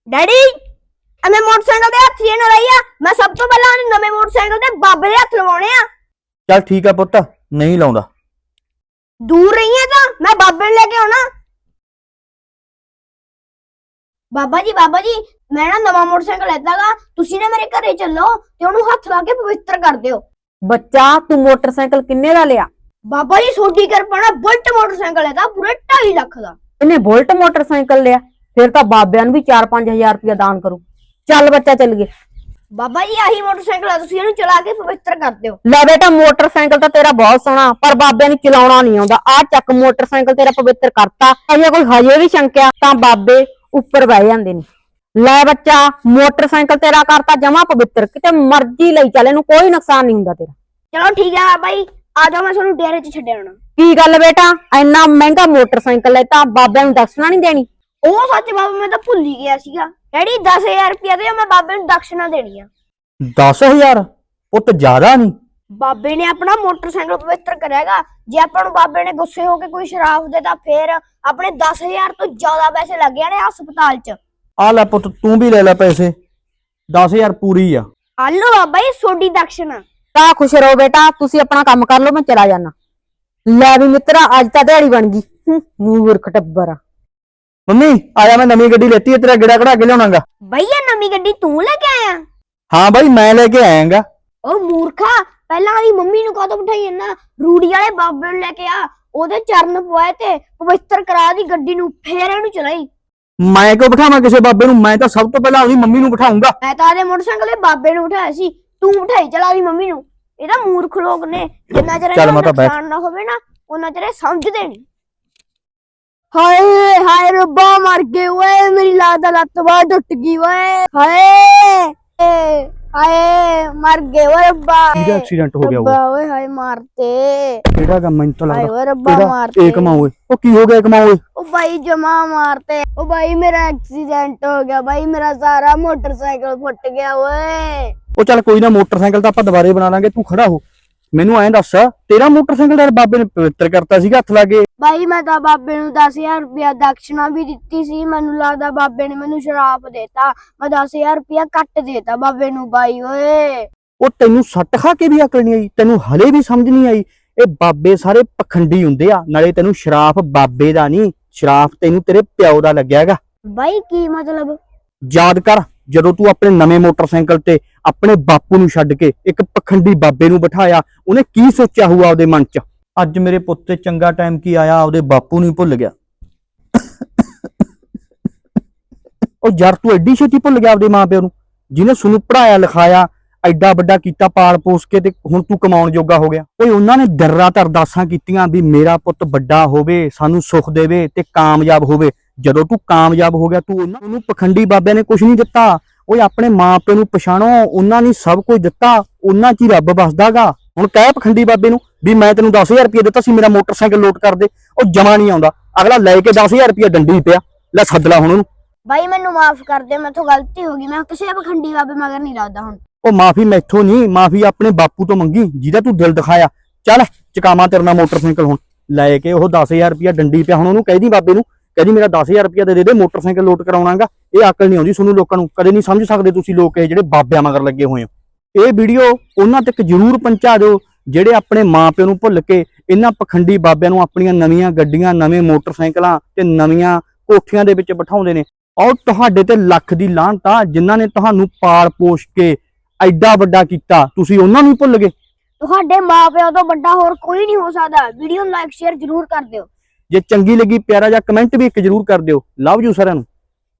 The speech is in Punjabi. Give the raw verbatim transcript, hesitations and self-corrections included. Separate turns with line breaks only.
ਡੈਡੀ ਐਵੇਂ ਮੋਟਰਸਾਈਕਲ ਦੇ ਹੱਥ ਜੇ ਨਾ ਲਈਆ। ਮੈਂ ਸਭ ਤੋਂ ਪਹਿਲਾਂ ਨਵੇਂ ਮੋਟਰਸਾਈਕਲ ਤੇ ਬਾਬੇ ਦੇ ਹੱਥ ਲਵਾਉਣੇ ਆ।
ਚੱਲ ਠੀਕ ਆ ਪੁੱਤ, ਨਹੀਂ ਲਾਉਂਦਾ।
ਦੂਰ ਰਹੀ ਤਾਂ ਮੈਂ ਬਾਬੇ ਨੂੰ ਲੈ ਕੇ ਆਉਣਾ। ਬਾਬਾ ਜੀ ਬਾਬਾ ਜੀ ਮੈਂ ਨਾ ਨਵਾਂ ਮੋਟਰਸਾਈਕਲ ਲੈਤਾਗਾ, ਤੁਸੀਂ ਨਾ ਮੇਰੇ ਘਰੇ ਚੱਲੋ ਤੇ ਉਹਨੂੰ ਹੱਥ ਲਾ ਕੇ ਪਵਿੱਤਰ ਕਰ ਦਿਓ।
ਬੱਚਾ ਤੂੰ ਮੋਟਰਸਾਈਕਲ ਕਿੰਨੇ ਦਾ ਲਿਆ?
ਬਾਬਾ ਜੀ ਸੋਡੀ ਕਿਰਪਾ ਨਾਲ ਬੁਲਟ ਮੋਟਰਸਾਈਕਲ ਹੈ ਤਾਂ ਪੂਰੇ ਢਾਈ ਲੱਖ ਦਾ।
ਇਹਨੇ ਬੁਲਟ ਮੋਟਰਸਾਈਕਲ ਲਿਆ, ਫਿਰ ਤਾਂ ਬਾਬਿਆਂ ਨੂੰ ਵੀ ਚਾਰ ਪੰਜ ਹਜ਼ਾਰ ਰੁਪਇਆ ਦਾਨ ਕਰੂ। ਚੱਲ ਬੱਚਾ ਚੱਲ ਗਏ।
ਬਾਬਾ ਜੀ ਆਹੀ ਮੋਟਰਸਾਈਕਲ ਆ, ਤੁਸੀਂ ਇਹਨੂੰ ਚਲਾ ਕੇ ਪਵਿੱਤਰ ਕਰ ਦਿਓ।
ਲੈ ਬੇਟਾ ਮੋਟਰਸਾਈਕਲ ਤਾਂ ਤੇਰਾ ਬਹੁਤ ਸੋਹਣਾ, ਪਰ ਬਾਬਿਆਂ ਨੂੰ ਚਲਾਉਣਾ ਨਹੀਂ ਆਉਂਦਾ। ਆ ਚੱਕ ਮੋਟਰਸਾਈਕਲ ਤੇਰਾ ਪਵਿੱਤਰ ਕਰਤਾ। ਅਜੇ ਕੋਈ ਹਜੇ ਵੀ ਸ਼ੰਕਿਆ ਤਾਂ ਬਾਬੇ ਉੱਪਰ ਬਹਿ ਜਾਂਦੇ ਨੇ। ਲੈ ਬੱਚਾ ਮੋਟਰਸਾਈਕਲ ਤੇਰਾ ਕਰਤਾ ਜਮਾ ਪਵਿੱਤਰ, ਕਿਤੇ ਮਰਜ਼ੀ ਲਈ ਚੱਲ, ਇਹਨੂੰ ਕੋਈ ਨੁਕਸਾਨ ਨਹੀਂ ਹੁੰਦਾ ਤੇਰਾ।
ਚਲੋ ਠੀਕ ਹੈ ਬਾਬਾ ਜੀ, ਆ ਜਾਓ ਮੈਂ ਤੁਹਾਨੂੰ ਡੇਰੇ 'ਚ ਛੱਡ ਆਉਣਾ।
ਕੀ ਗੱਲ ਬੇਟਾ ਇੰਨਾ ਮਹਿੰਗਾ ਮੋਟਰਸਾਈਕਲ ਲੈ ਤਾਂ ਬਾਬਿਆਂ ਨੂੰ ਦਕਸ਼ਨਾ ਨਹੀਂ ਦੇਣੀ?
ਉਹ ਸੱਚ ਬਾਬਾ ਮੈਂ ਤਾਂ ਭੁੱਲ ਹੀ ਗਿਆ ਸੀਗਾ। ਡੈਡੀ ਦਸ ਹਜ਼ਾਰ ਰੁਪਇਆ ਦੇ ਮੈਂ ਬਾਬੇ ਨੂੰ ਦਕਸ਼ਨਾ ਦੇਣੀ ਆ।
ਦਸ ਹਜ਼ਾਰ ਪੁੱਤ ਜ਼ਿਆਦਾ ਨਹੀਂ।
ਬਾਬੇ ਨੇ ਆਪਣਾ ਮੋਟਰਸਾਈਕਲ ਪਵਿੱਤਰ ਕਰਿਆਗਾ। ਜੇ ਆਪਾਂ ਨੂੰ ਬਾਬੇ ਨੇ ਗੁੱਸੇ ਹੋ ਕੇ ਕੋਈ ਸ਼ਰਾਬ ਦੇ ਤਾਂ ਫੇਰ ਆਪਣੇ ਦਸ ਹਜ਼ਾਰ ਤੋਂ ਜ਼ਿਆਦਾ ਪੈਸੇ ਲੱਗ ਜਾਣੇ ਹਸਪਤਾਲ 'ਚ।
ਆ ਲੈ ਪੁੱਤ ਤੂੰ ਵੀ ਲੈ ਲੈ ਪੈਸੇ, ਦਸ ਹਜ਼ਾਰ ਪੂਰੀ ਆ।
ਆਲੋ ਬਾਬਾ ਜੀ ਸੋਡੀ ਦਕਸ਼ਨਾ।
ਤਾਂ ਖੁਸ਼ ਰਹੋ ਬੇਟਾ, ਤੁਸੀਂ ਆਪਣਾ ਕੰਮ ਕਰ ਲਓ, ਮੈਂ ਚਲਾ ਜਾਣਾ। ਲੈ ਵੀ ਮਿੱਤਰਾ ਅੱਜ ਤਾਂ ਦਿਹਾੜੀ ਬਣ ਗਈ। ਮੂਰਖ ਟੱਬਰ।
ਮੰਮੀ ਆਇਆ ਮੈਂ ਨਵੀਂ ਗੱਡੀ ਲੈਤੀ ਹੈ, ਤੇਰਾ ਗੇੜਾ ਕਢਾ ਕੇ ਲਿਆਉਣਾਗਾ।
ਭਈਆ ਨਵੀਂ ਗੱਡੀ ਤੂੰ ਲੈ ਕੇ ਆਇਆ?
ਹਾਂ ਬਾਈ ਮੈਂ ਲੈ ਕੇ ਆਇਆਗਾ।
ਉਹ ਮੂਰਖਾ ਪਹਿਲਾਂ ਆਦੀ ਮੰਮੀ ਨੂੰ ਕਾਹਤੋਂ ਬਿਠਾਈ ਨਾ, ਰੂੜੀ ਵਾਲੇ ਬਾਬੇ ਨੂੰ ਲੈ ਕੇ ਆ, ਉਹਦੇ ਚਰਨ ਪਵਾਏ ਤੇ ਪਵਿੱਤਰ ਕਰਾ ਦੀ ਗੱਡੀ ਨੂੰ, ਫੇਰ ਇਹਨੂੰ ਚਲਾਈ।
ਮੈਂ ਕਿਉਂ ਬਿਠਾਵਾਂ ਕਿਸੇ ਬਾਬੇ ਨੂੰ? ਮੈਂ ਤਾਂ ਸਭ ਤੋਂ ਪਹਿਲਾਂ ਆਪਣੀ ਮੰਮੀ ਨੂੰ ਬਿਠਾਉਂਗਾ।
ਮੈਂ ਤਾਂ ਆਦੇ ਮੋਟਰਸਾਈਕਲ ਤੇ ਬਾਬੇ ਨੂੰ ਬਿਠਾਇਆ ਸੀ, ਤੂੰ ਬਿਠਾਈ ਚਲਾ ਦੀ ਮੰਮੀ ਨੂੰ। ਇਹ ਤਾਂ ਮੂਰਖ ਲੋਕ ਨੇ, ਜਿੰਨਾ ਚਿਰ ਇਹਨਾਂ ਨੂੰ ਨੁਕਸਾਨ ਨਾ ਹੋਵੇ ਨਾ ਉਹਨਾਂ ਚਿਰ ਸਮਝਦੇ ਨਹੀਂ। ਹਾਏ ਹਾਏ ਰੱਬਾ ਮਰ ਗਏ ਓਏ, ਮੇਰੀ ਲੱਤ ਲੱਤ ਬਾਹ ਟੁੱਟ ਗਈ ਓਏ। ਹਾਏ ਹਾਏ ਮਰ ਗਏ ਓਏ ਰੱਬਾ।
ਕਿਹਦਾ ਐਕਸੀਡੈਂਟ ਹੋ ਗਿਆ?
ਰੱਬਾ ਓਏ ਹਾਏ ਮਾਰਤੇ।
ਕਿਹੜਾ ਕੰਮ ਮੈਨੂੰ ਤਾਂ
ਹਾਏ
ਲੱਗਦਾ
ਓਏ ਰੱਬਾ ਮਾਰਤੇ।
ਇਹ ਕਮਾ ਓਏ। ਉਹ ਕੀ ਹੋ ਗਿਆ ਕਮਾ ਓਏ?
ਉਹ ਬਾਈ ਜਮਾ ਮਾਰਤੇ। ਉਹ ਬਾਈ ਮੇਰਾ ਐਕਸੀਡੈਂਟ ਹੋ ਗਿਆ ਬਾਈ, ਮੇਰਾ ਸਾਰਾ ਮੋਟਰਸਾਈਕਲ ਫੁੱਟ ਗਿਆ ਓਏ।
ਉਹ ਚੱਲ ਕੋਈ ਨਾ, ਮੋਟਰਸਾਈਕਲ ਤਾਂ ਆਪਾਂ ਦੁਬਾਰੇ ਬਣਾ ਲਾਂਗੇ, ਤੂੰ ਖੜਾ ਹੋ। ਮੈਨੂੰ ਐਂ ਦੱਸ, ਤੇਰਾ ਮੋਟਰਸਾਈਕਲ ਦਾ ਬਾਬੇ ਨੇ ਪਵਿੱਤਰ ਕਰਤਾ ਸੀਗਾ ਹੱਥ ਲਾ ਕੇ?
ਬਾਈ ਮੈਂ ਤਾਂ ਬਾਬੇ ਨੂੰ ਦਸ ਹਜ਼ਾਰ ਰੁਪਇਆ ਦਕਸ਼ਨਾ ਵੀ ਦਿੱਤੀ ਸੀ। ਮੈਨੂੰ ਲੱਗਦਾ ਬਾਬੇ ਨੇ ਮੈਨੂੰ ਸ਼ਰਾਪ ਦੇਤਾ, ਮੈਂ ਦਸ ਹਜ਼ਾਰ ਰੁਪਇਆ ਕੱਟ ਦੇਤਾ ਬਾਬੇ ਨੂੰ ਬਾਈ ਓਏ।
ਉਹ ਤੈਨੂੰ ਸੱਟ ਖਾ ਕੇ ਵੀ ਅਕਲ ਨਹੀਂ ਆਈ? ਤੈਨੂੰ ਹਲੇ ਵੀ ਸਮਝ ਨਹੀਂ ਆਈ? ਇਹ ਬਾਬੇ ਸਾਰੇ ਪਖੰਡੀ ਹੁੰਦੇ ਆ। ਨਾਲੇ ਤੈਨੂੰ ਸ਼ਰਾਪ ਬਾਬੇ ਦਾ ਨਹੀਂ, ਸ਼ਰਾਪ ਤੈਨੂੰ ਤੇਰੇ ਪਿਓ ਦਾ ਲੱਗਿਆ ਹੈਗਾ।
ਬਾਈ ਕੀ ਮਤਲਬ?
ਯਾਦ ਕਰ ਜਦੋਂ ਤੂੰ ਆਪਣੇ ਨਵੇਂ ਮੋਟਰਸਾਈਕਲ ਤੇ ਆਪਣੇ ਬਾਪੂ ਨੂੰ ਛੱਡ ਕੇ ਇੱਕ ਪਖੰਡੀ ਬਾਬੇ ਨੂੰ ਬਿਠਾਇਆ, ਉਹਨੇ ਕੀ ਸੋਚਿਆ ਹੋਊਗਾ ਉਹਦੇ ਮਨ 'ਚ? ਅੱਜ ਮੇਰੇ ਪੁੱਤ ਤੇ ਚੰਗਾ ਟਾਈਮ ਕੀ ਆਇਆ, ਆਪਦੇ ਬਾਪੂ ਨੂੰ ਹੀ ਭੁੱਲ ਗਿਆ। ਉਹ ਯਾਰ ਤੂੰ ਐਡੀ ਛੇਤੀ ਭੁੱਲ ਗਿਆ ਆਪਦੇ ਮਾਪਿਆਂ ਨੂੰ, ਜਿਹਨੇ ਸਾਨੂੰ ਪੜਾਇਆ ਲਿਖਾਇਆ, ਐਡਾ ਵੱਡਾ ਕੀਤਾ, ਪਾਲ ਪੋਸ ਕੇ, ਤੇ ਹੁਣ ਤੂੰ ਕਮਾਉਣ ਜੋਗਾ ਹੋ ਗਿਆ। ਓਏ ਉਹਨਾਂ ਨੇ ਦਿਨ-ਰਾਤ ਅਰਦਾਸਾਂ ਕੀਤੀਆਂ ਵੀ ਮੇਰਾ ਪੁੱਤ ਵੱਡਾ ਹੋਵੇ, ਸਾਨੂੰ ਸੁੱਖ ਦੇਵੇ ਤੇ ਕਾਮਯਾਬ ਹੋਵੇ। ਜਦੋਂ ਤੂੰ ਕਾਮਯਾਬ ਹੋ ਗਿਆ, ਤੂੰ ਉਹਨਾਂ ਨੂੰ ਪਖੰਡੀ ਬਾਬਿਆਂ ਨੇ ਕੁਝ ਨਹੀਂ ਦਿੱਤਾ। ਓਏ ਆਪਣੇ ਮਾਪਿਆਂ ਨੂੰ ਪਛਾਣੋ, ਉਹਨਾਂ ਨੇ ਸਭ ਕੁਝ ਦਿੱਤਾ, ਉਹਨਾਂ 'ਚ ਹੀ ਰੱਬ ਵਸਦਾਗਾ। ਹੁਣ ਕਹਿ ਪਖੰਡੀ ਬਾਬੇ ਨੂੰ ਵੀ ਮੈਂ ਤੈਨੂੰ ਦਸ ਹਜ਼ਾਰ ਰੁਪਏ ਦਿੱਤਾ ਸੀ, ਮੇਰਾ ਮੋਟਰਸਾਈਕਲ ਲੋਟ ਕਰ ਦੇ। ਉਹ ਜਮਾ ਨਹੀਂ ਆਉਂਦਾ, ਅਗਲਾ ਲੈ ਕੇ ਦਸ ਹਜ਼ਾਰ ਰੁਪਏ ਡੰਡੀ ਪਿਆ। ਲੈ ਸੱਦ ਲੈ ਹੁਣ ਉਹਨੂੰ।
ਬਾਈ ਮੈਨੂੰ ਮਾਫ ਕਰ ਦੇ, ਮੈਥੋਂ ਗਲਤੀ ਹੋ ਗਈ, ਮੈਂ ਕਿਸੇ ਪਖੰਡੀ ਬਾਬੇ ਮਗਰ ਨਹੀਂ ਲੱਗਦਾ ਹੁਣ।
ਉਹ ਮਾਫੀ ਮੈਥੋਂ ਨਹੀਂ, ਮਾਫੀ ਆਪਣੇ ਬਾਪੂ ਤੋਂ ਮੰਗੀ ਜਿਹਦਾ ਤੂੰ ਦਿਲ ਦਿਖਾਇਆ। ਚੱਲ ਚਕਾਵਾਂ ਤੇਰੇ ਨਾਲ ਮੋਟਰਸਾਈਕਲ ਹੁਣ ਲੈ ਕੇ। ਉਹ ਦਸ ਹਜ਼ਾਰ ਰੁਪਇਆ ਡੰਡੀ ਪਿਆ, ਹੁਣ ਉਹਨੂੰ ਕਹਿਦੀ ਬਾਬੇ ਨੂੰ, ਕਹਿੰਦੀ ਮੇਰਾ ਦਸ ਹਜ਼ਾਰ ਰੁਪਇਆ ਦੇ ਦੇ, ਮੋਟਰਸਾਈਕਲ ਲੋਟ ਕਰਾਉਣਾਗਾ। ਇਹ ਅਕਲ ਨਹੀਂ ਆਉਂਦੀ ਤੁਹਾਨੂੰ ਲੋਕਾਂ ਨੂੰ, ਕਦੇ ਨਹੀਂ ਸਮਝ ਸਕਦੇ ਤੁਸੀਂ ਲੋਕ ਇਹ ਜਿਹੜੇ ਬਾਬਿਆਂ ਮਗਰ ਲੱਗੇ ਹੋਏ ਹੋ। ਇਹ ਵੀਡੀਓ ਉਹਨਾਂ ਤੱਕ ਜ਼ਰੂਰ ਪਹੁੰਚਾ ਦਿਓ ਜਿਹੜੇ ਆਪਣੇ ਮਾਪਿਆਂ ਨੂੰ ਭੁੱਲ ਕੇ ਇਹਨਾਂ ਪਖੰਡੀ ਬਾਬਿਆਂ ਨੂੰ ਆਪਣੀਆਂ ਨਵੀਆਂ ਗੱਡੀਆਂ, ਨਵੇਂ ਮੋਟਰਸਾਈਕਲਾਂ ਤੇ ਨਵੀਆਂ ਕੋਠੀਆਂ ਦੇ ਵਿੱਚ ਬਿਠਾਉਂਦੇ ਨੇ। ਔਰ ਤੁਹਾਡੇ ਤੇ ਲੱਖ ਦੀ ਲਾਹਨਤ ਆ, ਜਿਨ੍ਹਾਂ ਨੇ ਤੁਹਾਨੂੰ ਪਾਲ ਪੋਸ਼ ਕੇ ਐਡਾ ਵੱਡਾ ਕੀਤਾ, ਤੁਸੀਂ ਉਹਨਾਂ ਨੂੰ ਹੀ ਭੁੱਲ ਗਏ।
ਤੁਹਾਡੇ ਮਾਪਿਆਂ ਤੋਂ ਵੱਡਾ ਹੋਰ ਕੋਈ ਨਹੀਂ ਹੋ ਸਕਦਾ। ਵੀਡੀਓ ਨੂੰ ਲਾਈਕ ਸ਼ੇਅਰ ਜ਼ਰੂਰ ਕਰ ਦਿਓ।
ਜੇ ਚੰਗੀ ਲੱਗੀ ਪਿਆਰਾ ਜਿਹਾ ਕਮੈਂਟ ਵੀ ਇੱਕ ਜ਼ਰੂਰ ਕਰ ਦਿਓ। ਲਵ ਯੂ ਸਾਰਿਆਂ ਨੂੰ।